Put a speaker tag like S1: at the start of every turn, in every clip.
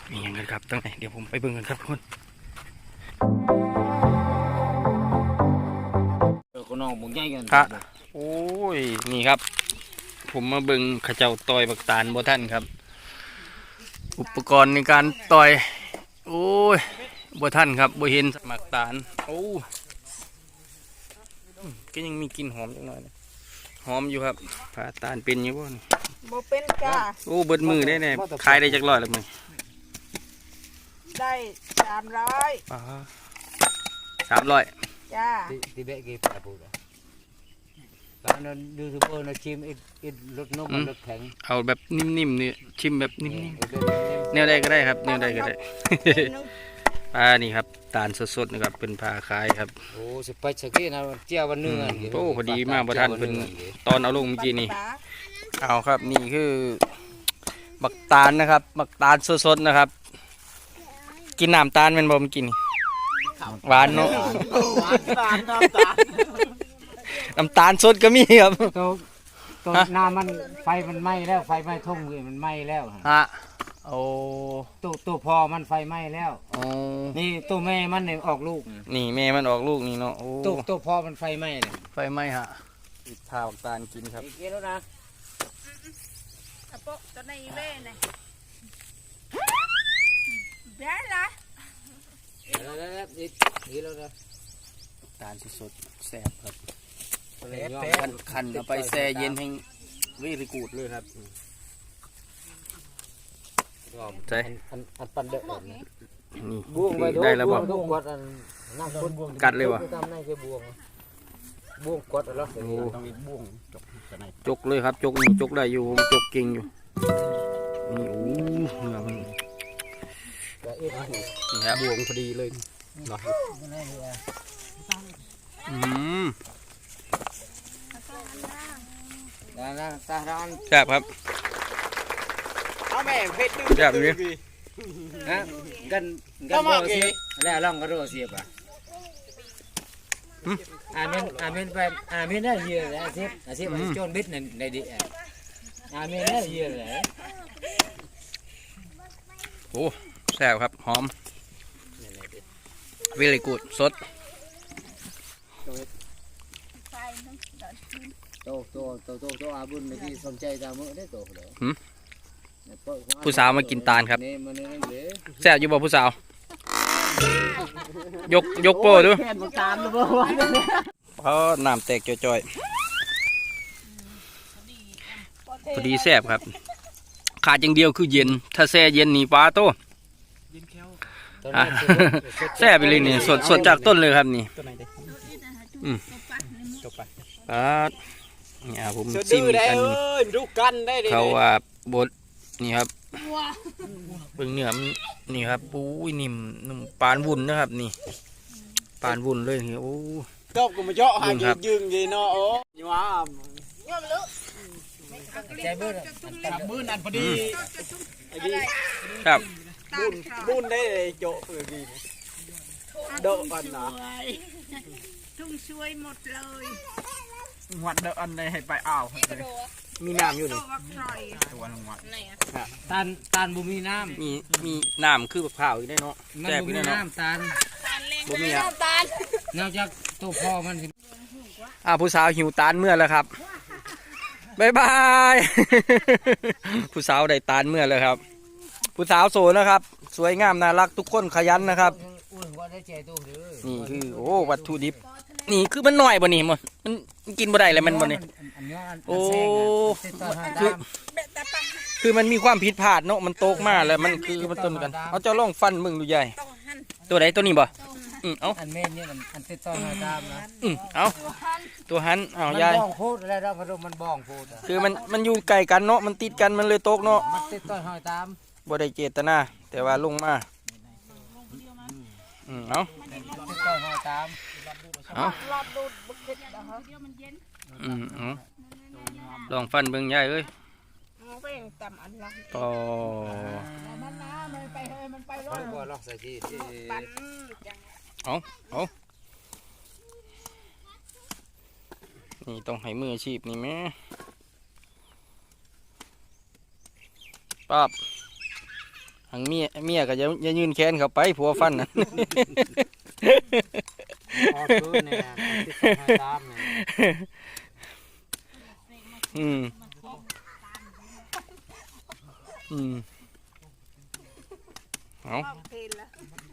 S1: มีอย่างไรครับตั้งไหนเดี๋ยวผมไปเบิ่งกันครับทุกคน
S2: ก็น้องบุญใหญ่กัน
S1: ครับโอ้ยนี่ครับผมมาเบิ่งข้าเจ้าต่อยบักตาลบ่ท่านครับอุปกรณ์ในการต่อยโอ้ยบ่ท่านครับบ่เห็นบักตาลโอ้ก็ยังมีกลิ่นหอมจังหน่อยนะหอมอยู่ครับผ่าตาลเป็นอยู่บ่
S3: บ่เป็นจ้า
S1: โอ้เบิดมือได้แน่ขายได้จักร้อยแล้วมั้ย
S3: ได้
S1: 300
S3: จ้า
S2: ที่เบะกี่ปลาปูตอนนั้นยูทูบเบอร์นะชิมอีกรถนกรถแข็ง
S1: เอาแบบนิ่มๆนี่ชิมแบบนิ่มๆแนวใดก็ได้ครับแนวใดก็ได้ปลานี่ครับตาลสดๆนะครับเป็นปลาขายครับ
S2: โอ้สิไปสักทีนะเจ้าวันเนื้อ
S1: โอ้พอดีมากประธานเป็นตอนเอาลงเมื่อกี้นี่เอาครับนี่คือบักตาลนะครับบักตาลสดๆนะครับกินน้ำตาลเป็นบ่มกินหวานเนาะน้ำตาลสดก็มีครับ
S2: ตัวน้ำมันไฟมันไหม้แล้วไฟไหม้ทุ่งมันไหม้แล้ว
S1: ฮะโอ้
S2: ตัวพอมันไฟไหม้แล้วนี่ตัวแม่มันเนี่ยออกลูก
S1: นี่แม่มันออกลูกนี่เนาะโอ้
S2: ตัวพอมันไฟไหม้เลย
S1: ไฟไหม้ฮะพาบักตาลกินครับ
S2: กินแล้วนะ
S3: อะโปตัวในเว้น่ะแย่ละ
S2: แล้วนี่แล้วนะ
S1: ตาลสดแซ่บครับคันเอาไปแช่เย็นให้วิริกูดเลยครับใช่
S2: อันปันเด็ก
S1: นี่ได้แล้วบ่กัดเลยวะ
S2: บ่วงกดแล้ว
S1: จกเลยครับจกนี่จกได้อยู่ผมจกเก่งอยู่นี่โอ้เนื้อมันนี่ครับบ่วงพอดีเลยเนาะแซ่บครับ
S2: เอาแม่เพชร
S1: แซ่บเลย
S2: ฮะกันโรเสียบแล้วลองกันโรเสียบอ่ะอาเมนไปอาเมนได้เยอะเลยอาเสียบโจนบิดในดิอาเมนได้เยอะเลย
S1: โอ้แซ่บครับหอมวิริกูดสด
S2: โตอาบุญในที่สนใจตามมือได้โตเลย
S1: ผู้สาวมากินตาลครับแซ่บอยู่บ่ผู้สาวยกโป้ดูเพราะน้ำแตกจ่อยๆพอดีแซ่บครับขาดอย่างเดียวคือเย็นถ้าแช่เย็นนี่ปลาโตแซ่บไปเลยนี่สดจากต้นเลยครับนี่นี่ผมซิมกันเขาว่าบดนี่ครับเบิ่งเนื้อมันนี่ครับปุ้ยนิ่มปานวุ่นนะครับนี่ปานวุ่นเลยนี่โอ้
S2: ก็มาเจาะหายืงยีเนาะโอ้ยว้าใจบื้นอันพอดี
S1: ครับ
S2: บุญได้โจเพื่อกินโดดอันนะ
S3: ทุ่งช่วยหมดเลย
S2: หัดโดดอันเลยให้ไปอ้าว
S1: มีน้ำอยู่นี่
S2: ตัวนึงวัดตาลบุมีน้ำ
S1: มีน้ำคือเผาอีกได้เนาะ
S2: แซ่บอีกได้เนาะตาล
S1: บุมีอ่ะ
S2: นอกจากตัวพ่อมัน
S1: ผู้สาวหิวตาลเมื่อแล้วครับบายบาย ผู้สาวได้ตาลเมื่อแล้วครับผู้สาวโสดนะครับสวยงามน่ารักทุกคนขยันนะครับนี่คือโอ้วัตถุดิบนี่คือมันหน่อยบ่นี่มันกินบ่ได้เลยมันบ่นี่โอ้คือมันมีความผิดพลาดเนาะมันโตกมาแล้วมันคือมันต้นกันเอาเจ้าลองฟันมึงดูใหญ่ตัวไหนตัวนี้บ่เอา
S2: อันเมนเนี่ยอันติดต่อมาตามนะ
S1: เอาตัวหันเอาใหญ่
S2: บ้องพูดแล้วพอมันบ้องพูด
S1: คือมันอยู่ไกลกันเนาะมันติดกันมันเลยโตกเนาะ
S2: มันติดต่อหอยตาม
S1: บ่ได้เจตนาแต่ว่าลงมาเอา
S2: ติดต่อหอยตาม
S1: เอาลองฟันเบิ่งใหญ่เอ้ยต่อเอานี่ต้องให้มืออาชีพนี่แม่ปั๊บหังเมียก็อย่ายืนแขนเข้าไปผัวฟันน่ะ
S2: ออกคืนเนี่ยติดต่อให้ตามเนี่ย
S1: อืมอืมเอา
S3: เพลละ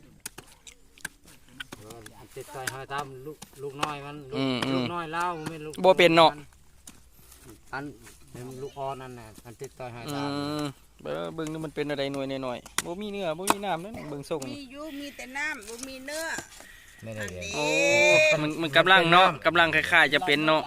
S2: อันติดต่อให้ตามลูกน้อยมันลูกน้อยเล่าไม่ลูก
S1: บ่เป็นเนาะ
S2: อันลูกอ่อนนั่นน่ะอันติดต่อให้
S1: อื
S2: ตาม
S1: มเบิ่งนี่มันเป็นอะไรหน่วยหน่อยๆบ่มีเนื้อบ่มีน้ำนั่นเบิ่งส่ง
S3: มี
S1: นี่
S3: อยู่มีแต่น้ำบ่มีเนื้อ
S2: ไม่ได้เลย
S1: โอ้มันกำลังเนาะกำลังคล้ายๆจะเป็นเนาะ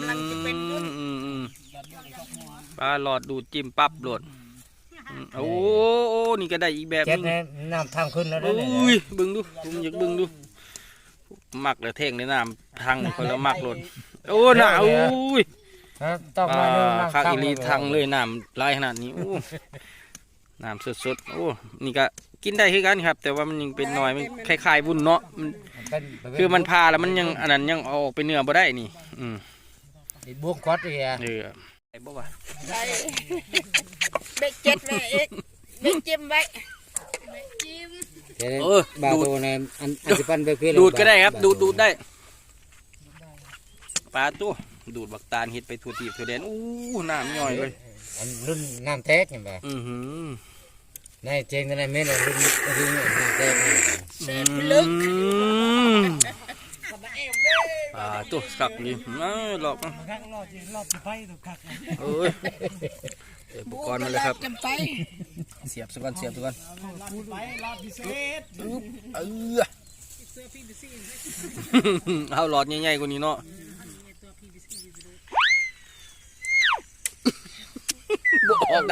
S1: ปลาหลอดดูดจิ้มปั๊บโหลดโอ้นี่ก็ได้อีกแบบ
S2: เจ็
S1: นึ
S2: ด
S1: ง
S2: เนี่ยน้ำทางขึ้นแล้ว
S1: โอ้
S2: เนี่ย
S1: ยเบิ่งดูผมอยากเบิ่งดูมักแล้วเท่งในน้ำทังคนละมักโหลดโอ้หนาวอุ้ย
S2: ต้องมาเรื่องน้ำ
S1: ข้าวอีลีทังเลยน้ำลายขนาดนี้โอ้น้ำสดๆโอ้นี่ก็กินได้คือกันครับ แต่ว่ามันยังเป็นหน่อยมันคล้ายๆวุ้นเนาะคือมันพาแล้วมันยังอันนั้นยังเอาออกไปเนื้อบ่ได้นี่
S2: บวกก๊อตเลยอ่ะ
S1: ไอ้บ่ว่า
S3: ใช่เบ็ดเจ็ดไว้เอ็กเบ็ดจิ้มไว้เบ็ดจิ้ม
S2: บาโตเนี่ยอันสิปันไปเพื่อ
S1: ดูดก็ได้ครับดูดได้ปลาตัวดูดบักตาลเห็ดไปทั่วทีทั่วแดนอู้น้ำย่อยเลย
S2: อันรุ่นน้ำแท้เห็นไหมในเจงกันในเมนูรุ่นน้ำแท้
S3: เสพลึก
S1: ตัวสักนี่หลอกเอ้ยอุปกรณ์มาเลยครับ
S3: จำไป
S1: เสียบสักก่อนเอาหลอดใหญ่ๆกว่านี้เนาะบอก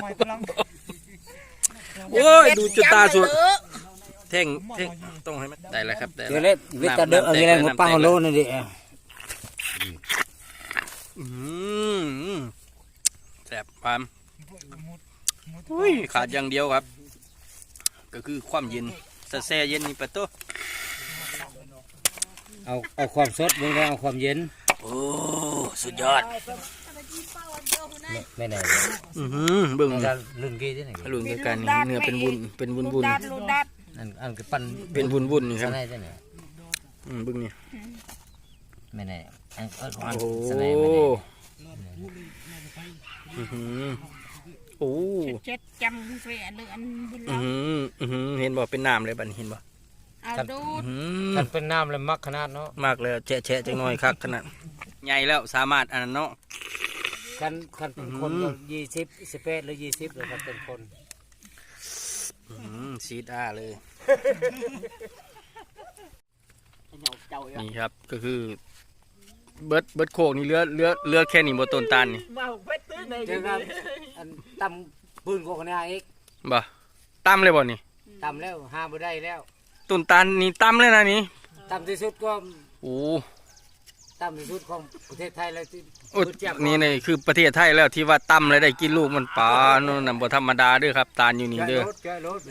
S1: โอ้ยดูจุดตาสุดเท่งต้องให้มันได้แล้วครับได้
S2: เดี๋ยวเล่นวิตาเดอร์อะไรงบปังโลนั่นดิ
S1: แสบความขาดอย่างเดียวครับก็คือความเย็นแช่เย็นนี่ปะโต
S2: เอาความสดมึงได้เอาความเย็น
S1: โอ้สุดยอด
S2: ไม่ไหน
S1: เบิ่ง
S2: รุ่นกี้ที่ไหน
S1: ลุนกันนี่เนื้อเป็นวุ้น
S3: ลูกดัด
S2: อันก็ปั้น
S1: เป็นวุ้นนี่ครับ
S2: สไลด์ที่ไหน
S1: เบิ่งนี่
S2: ไม่ไหนอันก็ของอัน
S1: โอ้
S2: สไลด์ไม่ไหน
S1: โอ้
S3: เจ็ดจำเสียเดือนบุญ
S1: เห็นบ่เป็นน้ำเลยบัดเห็นบ่
S3: เอาดูด
S2: ท่านเป็นน้ำเลยมักขนาดเนาะ
S1: มากเลยแฉะจังหน่อยคักขนาดใหญ่แล้วสามารถอันนั้นเนาะ
S2: คันเป็นคน20 18หรือ20หรือคันเป็นคน
S1: ซีดาเลยนี่ครับก็คือเบิดโคกนี่เลือแค่นี้บ่ต้นตาลนี่
S2: เจอครับอันตำปืนกคนนี้อีก
S1: บ่ตั้มเลยบ่นี่
S2: ตำแล้วหาบ่ได้แล้ว
S1: ต้นตาลนี่ตั้มเลยนะนี่
S2: ตำที่สุดก็
S1: โอ้
S2: ตำที่สุดของประเทศไทยเลยที่
S1: โอ้นี่คือประเทศไทยแล้วที่ว่าตั้มเลยได้กินลูกมันปลาโน่นน่ะบ่ธรรมดาเด้อครับตาลอยู่นี่เด้อ
S2: รถ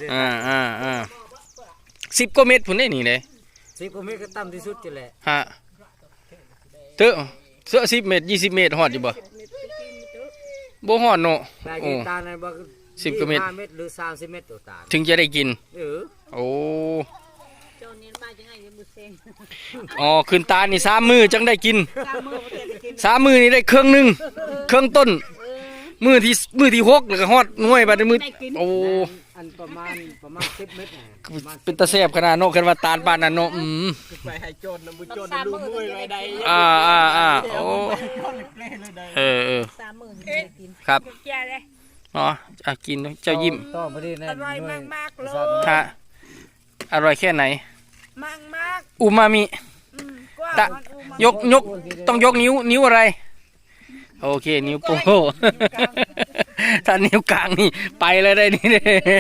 S1: 10 กว่าเม็ดพุ่นได้นี่เด้
S2: 10 กว่าเมตรก็ตำที่สุดจะแหละ
S1: ฮะเตอะเสือ10 เม็ด20 เม็ดฮอดอยู่บ่บ่ฮอดเนาะ
S2: ได้
S1: โอ้
S2: กินตาลในบ่
S1: 10 กว่าเม็ด
S2: 5 เมตรหรือ30 เมตรตัวตาล
S1: ถึงจะได้กิน โอ้
S3: โจนนี้มาจังไงจะบุเซง
S1: อ๋อขึ้นตาลนี่3 มื้อจังได้กิน
S3: ตามมือประเทศกิน
S1: 3 มื้อนี่ได้เครื่องหนึงเครื่องต้นมื้อที่6แล้วก็ฮอดหน่วยบัดนี้มื้อโอ้
S2: อันประมาณ10 เมตรน่ะประมาณ
S1: เป็นตาแซ่บขนาดเนาะคันว่าตาลปานนั้นเนาะ
S3: ไปให้โจนนะบุโจนดูมือไว้ได้
S1: โอ้
S3: 30,000กิน
S1: ครับ
S3: แก่เลย
S1: อ๋อกินเจ้ายิ้ม
S2: ต่อไปนี่นะ
S3: อร่อยมากๆเลย
S1: ฮะอร่อยแค่ไหน
S3: มาก
S1: อูมามิ
S3: ๆกว่า
S1: ตะ
S3: มันอูมาย
S1: กต้องยกนิ้วอะไร โอเคนิ้วโป้งถ้านิ้วกลางนี่ไปเลยได้นี่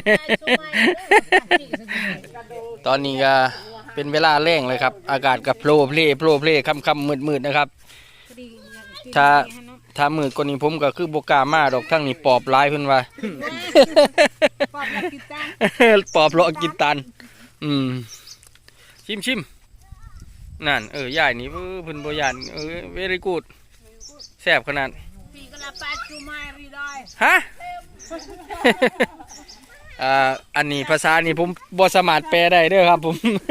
S1: ตอนนี้ก็เป็นเวลาแรงเลยครับ อากาศกับโปรเพลค่ำมืดนะครับ ถ้ามืดกว่านี้ผมก็คือโบกล้ามาดอกทั้งนี้ปอบลายเพิ่นว่า
S3: ปอบแล้วกินตัง
S1: ปอบเลาะกินตันชิมนั่นย่ายนี่เพิ่นบ่ย่านเวรี่กูดแซ่บขนาด
S3: ปีกละ8 ชั่วโมงรีได้
S1: ฮะอันนี้ภาษานี่ผมบ่สามารถแปลได้เด้อครับผม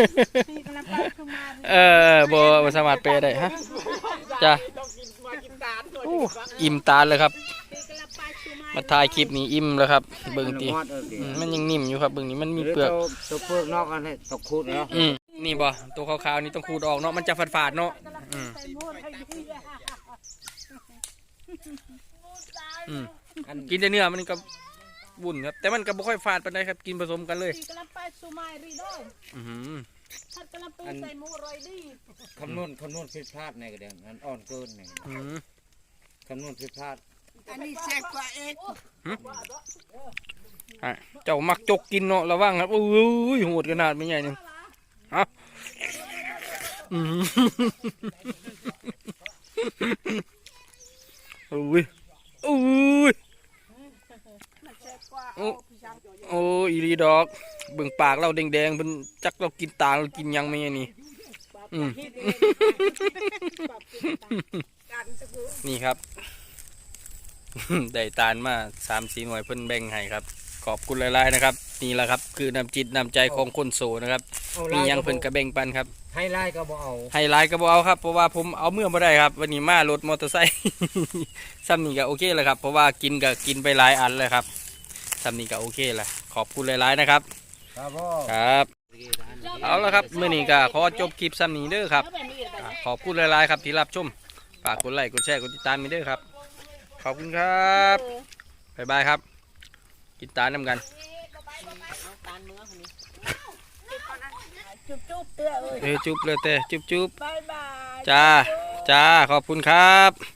S1: บ่สามารถแปลได้ฮะจ้ะโอ้อิ่มตาเลยครับมาถ่ายคลิปนี้อิ่มแล้วครับเบิ่งติมันยังนิ่มอยู่ครับเบิ่งนี้มันมีเปลือก
S2: ตัวเปลือกนอกอันนี้ตกคูดเนาะ
S1: นี่บ่ตัวขาวๆนี่ต้องขูดออกเนาะมันจะฝาดๆเนาะกินแต่เนื้อมันก็บุ่นครับแต่มันก็บ่ค่อยฝาดปานใดครับกินผสมกันเลย
S2: คำนวณผิดพลาดในกระเด็นอันอ่อนเกินในคำนวณผิดพลาด
S3: อันนี้แซ่บกว่าเอก
S1: เจ้ามักจกกินเนาะระวังครับอุ้ยโหดขนาดไม่ใหญ่นึงฮะอุ้ยโอ้อีรีดอกเบิ่งปากเราแดงๆเพิ่นจักเรากินตาเรากินยังไม่ไงนี่นี่ครับ ได้ตาลมา3-4 หน่วยเพิ่นแบ่งให้ครับขอบคุณหลายๆนะครับนี่แหละครับคือน้ำจิตน้ำใจของคนโสนะครับมียังเพิ่นกระแบ่งปันครับ
S2: ให้ไล่ก็บ่เอา
S1: ให้ไลน์ก็บ่เอาครับเพราะว่าผมเอาเมื่อบ่ได้ครับวันนี้มารถมอเตอร์ไซค์ ซ้ำนี่ก็โอเคแล้วครับเพราะว่ากินก็กินไปหลายอันเลยครับซ้ำนี่ก็โอเคแล้วขอบคุณหลายๆนะครับครับเอาละครับเมื่อนี้ก็ขอจบคลิปซ้ำนี้เด้อครับขอบคุณหลายๆครับที่รับชมฝากกดไลค์กดแชร์กดติดตามมีเด้อครับขอบคุณครับบ๊ายบายครับกินตาลน้ำกัน
S3: จุ๊บเตื้อเลย
S1: จุ๊บเลยเต้จุ๊บ
S3: บายบาย
S1: จ้าขอบคุณครับ